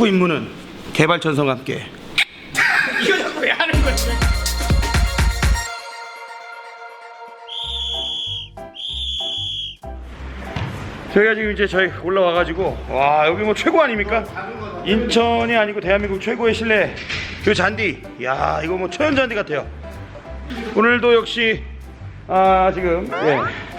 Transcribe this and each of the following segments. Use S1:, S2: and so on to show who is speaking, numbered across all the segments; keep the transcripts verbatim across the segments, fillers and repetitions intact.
S1: 축구 임무는 개발천성과 함께. 이거 자꾸 왜 하는 거지? 저희가 지금 이제 저희 올라와가지고 와 여기 뭐 최고 아닙니까? 인천이 아니고 대한민국 최고의 실내 그 잔디. 야 이거 뭐 천연 잔디 같아요. 오늘도 역시 아 지금 예.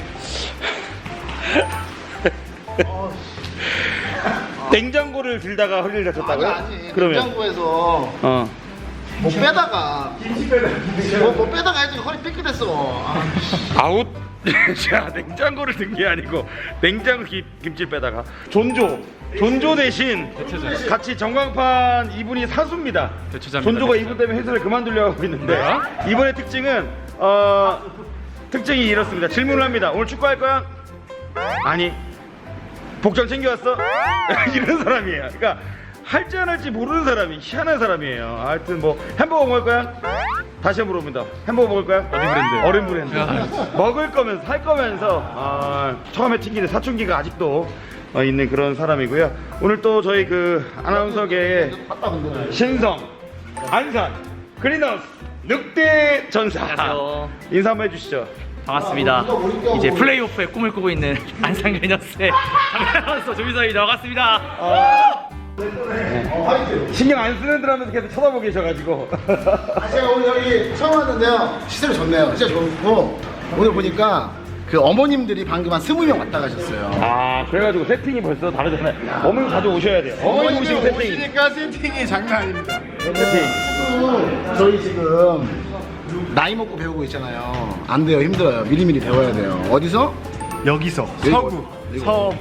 S1: 냉장고를 들다가 허리를 다쳤다고요?
S2: 아니, 아니
S1: 그러면
S2: 냉장고에서
S1: 어.
S2: 뭐 빼다가 김치 빼다가 뭐, 뭐 빼다가 해도 허리 삐끗했어. 아,
S1: 아웃. 자 냉장고를 든 게 아니고 냉장고 김, 김치 빼다가 존조 존조 대신
S3: 대체자.
S1: 같이 전광판 이분이 사수입니다.
S3: 대체자입니다.
S1: 존조가
S3: 대체자.
S1: 이분 때문에 회사를 그만두려고 하고 있는데 이번의 특징은 어 특징이 이렇습니다. 질문을 합니다. 오늘 축구할 거야? 아니. 복장 챙겨왔어? 이런 사람이에요. 그러니까 할지 안 할지 모르는 사람이 희한한 사람이에요. 하여튼 뭐 햄버거 먹을 거야? 다시 한번 물어봅니다. 햄버거 먹을 거야?
S3: 어디 브랜드?
S1: 어른 브랜드. 먹을 거면서 살 거면서 아, 처음에 튕기는 사춘기가 아직도 어, 있는 그런 사람이고요. 오늘 또 저희 그 아나운서계의 신성 안산 그린하우스 늑대 전사
S3: 안녕하세요.
S1: 인사 한번 해주시죠.
S3: 반갑습니다. 이제 플레이오프의 꿈을 꾸고 있는 안산 그리너스의 아나운서 조민서입니다. 반갑습니다.
S1: 어, 네. 신경 안 쓰는 들 하면서 계속 쳐다보고 계셔가지고
S2: 제가 오늘 여기 처음 왔는데요. 시설이 좋네요. 진짜 좋고 오늘 보니까 그 어머님들이 방금 한 스무 명 왔다 가셨어요.
S1: 아 그래가지고 세팅이 벌써 다르잖아요. 어머니 자주 오셔야 돼요. 어머니 오시고 세팅
S2: 오시니까 세팅이 장난 아닙니다.
S1: 세팅.
S2: 저희 지금 나이 먹고 배우고 있잖아요. 안 돼요. 힘들어요. 미리미리 배워야 돼요. 어디서? 여기서. 서구. 서부.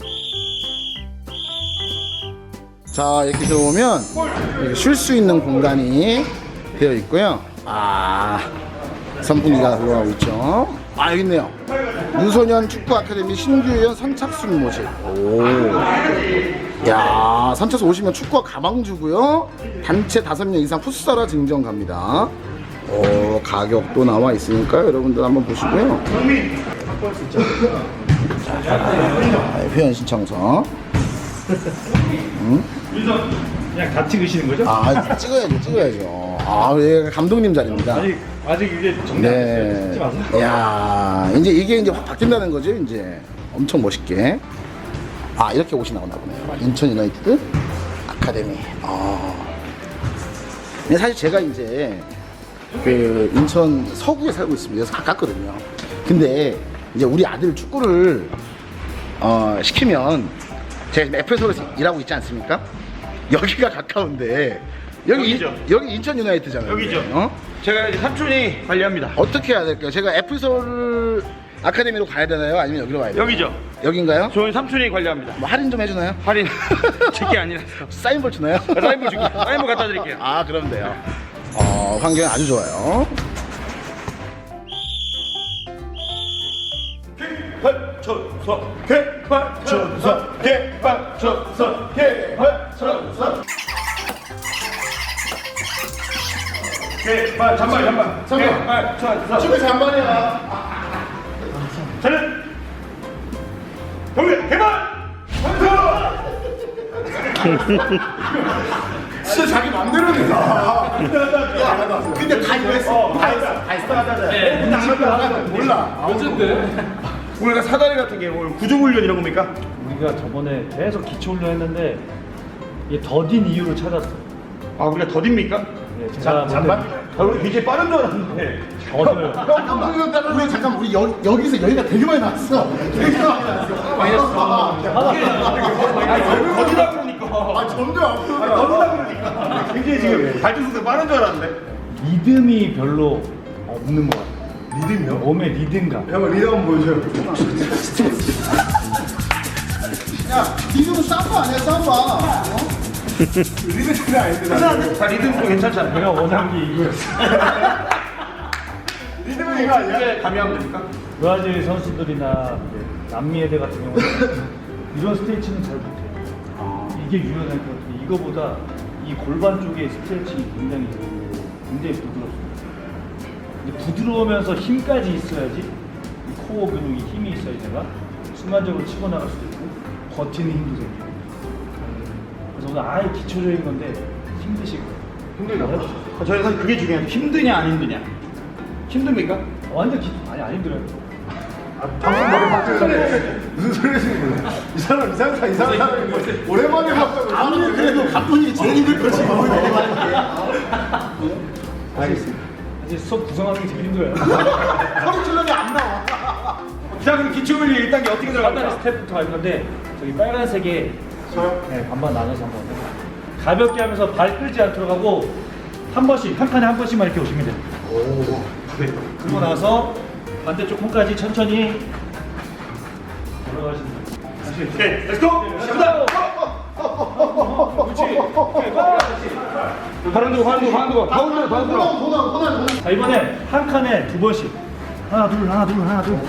S2: 자 이렇게 들어오면 쉴 수 있는 공간이 되어 있고요. 아 선풍기가 들어가고 있죠. 아 여기 있네요. 유소년 축구 아카데미 신규위원 선착순 모집. 오. 야 선착순 오시면 축구와 가방 주고요. 단체 다섯 명 이상 풋살화 증정 갑니다. 오 가격도 나와 있으니까 여러분들 한번 보시고요. 자, 회원 신청서. 응?
S4: 그냥 다 찍으시는 거죠?
S2: 아 찍어야죠 찍어야죠. 아 여기가 감독님 자리입니다.
S4: 아직 아직 이게 정리 안 됐어요. 찍지 마세요.
S2: 네. 야 이제 이게 이제 확 바뀐다는 거죠 이제. 엄청 멋있게. 아 이렇게 옷이 나오나 보네요. 인천 유나이티드 아카데미. 아. 근데 사실 제가 이제 그 인천 서구에 살고 있습니다. 그래서 가깝거든요. 근데 이제 우리 아들 축구를 어, 시키면 제가 지금 에프에스에서 일하고 있지 않습니까? 여기가 가까운데 여기
S1: 여기죠.
S2: 인, 여기 인천 유나이트잖아요.
S1: 여기죠.
S2: 어?
S1: 제가 이제 삼촌이 관리합니다.
S2: 어떻게 해야 될까요? 제가 에프서울 아카데미로 가야 되나요? 아니면 여기로 가야 되나요?
S1: 여기죠.
S2: 여기인가요?
S1: 저희 삼촌이 관리합니다.
S2: 뭐 할인 좀 해주나요?
S1: 할인 제게 아니라서
S2: 사인볼 주나요?
S1: 사인볼 줄게요. 사인볼 갖다 드릴게요.
S2: 아 그럼 돼요. 어 환경이 아주 좋아요.
S1: 개발천서 개발천서 개발천서 개발천서 개발 잠만 잠만 개발천서
S2: 축구 잔반이야.
S1: 저는 경례 개발
S2: 진짜 자기 맘대로 된다. 야, 근데 다 이거 했어. 다 했어. 다 했어.
S1: 네.
S2: 몰라.
S1: 우리가 사다리 같은 게 오늘 구조훈련 이런 겁니까?
S4: 우리가 저번에 계속 기초훈련 했는데 이게 더딘 이유를 찾았어.
S1: 아 우리가 더딥니까?
S4: 네, 제가
S2: 잔반?
S1: 아 우리 굉장히 빠른 줄 알았는데
S4: 더뎌요.
S2: 잠깐만, 우리 잠깐 우리 여, 여기서 여기가 되게 많이 나왔어. 되게 많이 나왔어. 많이 나왔어.
S1: 더디다 그러니까
S2: 아 점점 앞으로.
S1: 더디다 그러니까 굉장히 지금 발전소가 빠른 줄 알았는데
S4: 리듬이 별로 없는 것 같아.
S2: 리듬이요?
S4: 몸의 리듬감.
S2: 형 리듬 한번 보여줘요. 야, 리듬은 삼바 아니야 삼바. 어? 리듬이 아닌데.
S1: 자 리듬도 괜찮잖아요.
S4: 내가 원한 게 이거였어.
S2: 리듬은 이거 아니야?
S1: 이제 감이하면 됩니까?
S4: 브라질 선수들이나 이제 남미 애들 같은 경우는 이런 스트레칭은 잘 못해. 이게 유연할 것 같은데 이거보다 이 골반 쪽의 스트레칭이 굉장히 굉장히 부드럽습니다. 근데 부드러우면서 힘까지 있어야지 이 코어 근육이 힘이 있어야 제가 순간적으로 치고 나갈 수도 있고 버티는 힘도 생기고. 그래서 그래서 오늘 아예 기초적인 건데 힘드실 거예요.
S1: 힘들다고? 저희 사실 그게 중요해요. 힘드냐 안 힘드냐. 힘듭니까?
S4: 완전 기초 아니 안 힘들어요.
S5: 방금 머리 바뀌었네. 무슨 소리 하시는 거예요? 이 사람 이상한 사람 이상한 사람이 뭐 오랜만에 봤다고.
S2: 아무리 그래도 가뿐이 제일 힘들 거지.
S4: 알겠습니다. 이제 수업 구성하는 게 제일 힘들어요.
S2: 허리 찔러면 안 나와.
S1: 자 그럼 기초물리 일 단계 어떻게
S4: 간단히
S1: 들어갑니까?
S4: 스텝부터 갈 건데 저기 빨간색에 네, 반반 나눠서 한번 가볍게 하면서 발 끌지 않도록 하고 한 번씩 한 칸에 한 번씩만 이렇게 오시면 돼요.
S5: 오.
S4: 그러고 나서 반대쪽 콩까지 천천히 돌아가시면 돼요. 다시
S1: 오케이 렛츠고! 시작합니다! 바람 두고 바람 두고 바람 두고 다 흔들어 다 흔들어.
S4: 자 이번에 한 칸에 두 번씩 하나 둘 하나 둘 하나 둘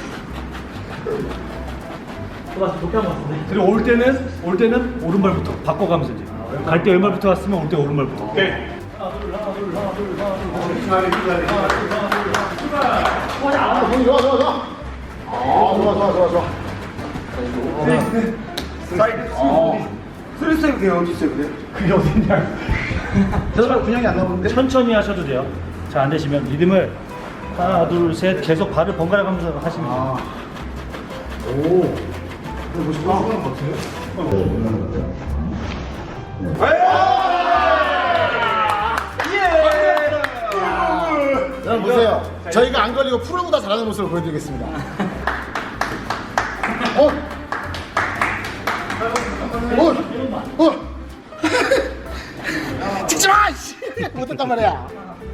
S4: 맞아 좋게 한번 왔어. 그리고 올 때는 올 때는 오른발부터 바꿔가면서 이제 갈 때 왼발부터 왔으면 올 때 오른발부터.
S1: 오케이.
S4: 하나 둘 하나 둘 하나 둘 하나 둘 하나 둘 하나 둘 하나 둘 출발.
S2: 아, 좋아, 좋아, 좋아. 아, 좋아, 좋아, 좋아, 좋아.
S1: 사이드 스트레스 그게 어디 있어요 그래?
S4: 그게 어딨냐?
S2: 저도 분양이 안 나오는데?
S4: 천천히 하셔도 돼요. 잘 안 되시면 리듬을 하나 둘 셋 계속 발을 번갈아 가면서 하시면 돼요.
S5: 오. 뭐 싶어 하는 것 같은데?
S2: 여러분 보세요. 저희가 안 걸리고 프로보다 잘하는 모습을 보여드리겠습니다. 어? 어? 어? 찍지 마! 씨! 못했단 말이야.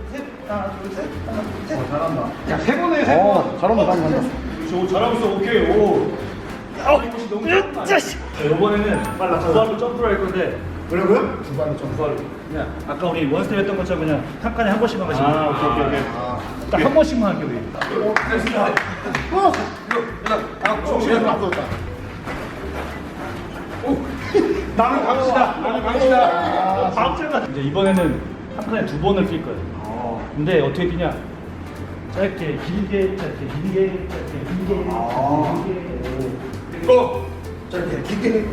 S1: 야세 번에 세 번.
S2: 어, 잘한다, 잘한다.
S4: 저 잘하고 있어. 오케이. 오. 아, 너무 잘한다. 자, 이번에는 빨라. 두 발로 점프를 할 건데
S5: 뭐라고요?
S4: 두 발로 점프. 두 발로. 그냥 아까 우리 원스텝 했던 것처럼 그냥 한 칸에 한 번씩만 가시면 돼요.
S1: 아 오케이 오케이 오케이.
S4: 딱 한 번씩만 할게요, 우리.
S2: 정신이 앞섰다.
S1: 나는 강시다. 나는 강시다.
S4: 박자가 이제 이번에는 한 칸에 두 번을 뛸 거예요. 근데 어떻게 뛰냐? 짧게, 길게, 짧게, 길게, 짧게, 길게, 길게.
S1: 고.
S5: 짧게 길게.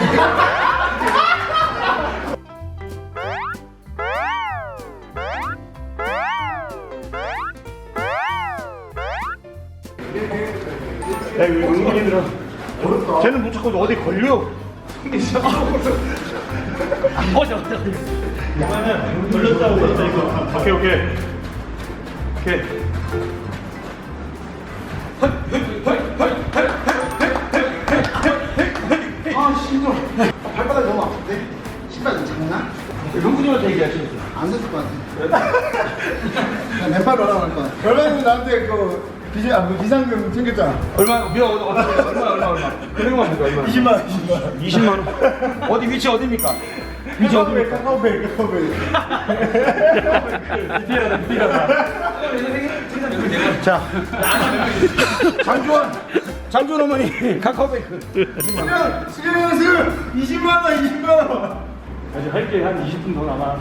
S1: 야 이거 은근히 들어. 쟤는 못 찾고 어디 걸려?
S4: 어, 잠깐만. 이거는 돌렸다고 했다, 이거.
S1: 오케이 오케이. 오케이.
S2: 아, 힘들어. 발바닥이 너무 아픈데? 신발 작나?
S1: 형군님한테 얘기하시는 거예요.
S2: 안 됐을 것 같아. 그냥 맨발로 올라갈 것 같아.
S5: 결혼이 나한테 그 비자 아, 그 비상금 챙겼잖아.
S1: 얼마 미어 얼마 얼마 얼마 얼마. 그런 거 얼마?
S5: 이십만 원, 이십만 원.
S1: 이십만 원. 어디 위치 어디입니까? 위치
S5: 카카오백,
S1: 어디입니까?
S5: 카카오백, 카카오백.
S4: 디테일하다, 디테일하다.
S1: 자. 장주원. 장주원 어머니 카카오뱅크.
S5: 수경, 수경 연수 이십만 원, 이십만 원.
S4: 아직 할게 한 이십 분 더 남아.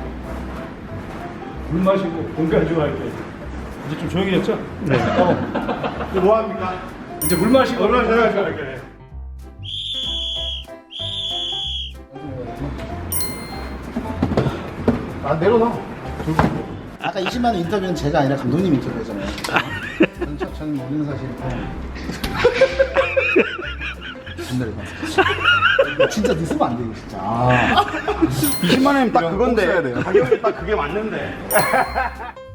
S4: 물 마시고 공간 좀 할게. 이제 좀 조용해졌죠? 네. 어.
S5: 이거 뭐 합니까?
S4: 이제 물 마시고
S5: 얼마나
S4: 공간 좀
S5: 잘하죠?
S4: 할게.
S5: 아 내려놔.
S2: 아까 이십만 원 인터뷰는 제가 아니라 감독님 인터뷰잖아요. 저는, 저- 저는 모르는 사실. 존나를 봤어. 진짜 늦으면 안 돼, 이거 진짜. 아.
S1: 이십만 원이면 딱
S5: 이건 꼭
S1: 그건데
S5: 써야 돼요.
S1: 가격이 딱 그게 맞는데.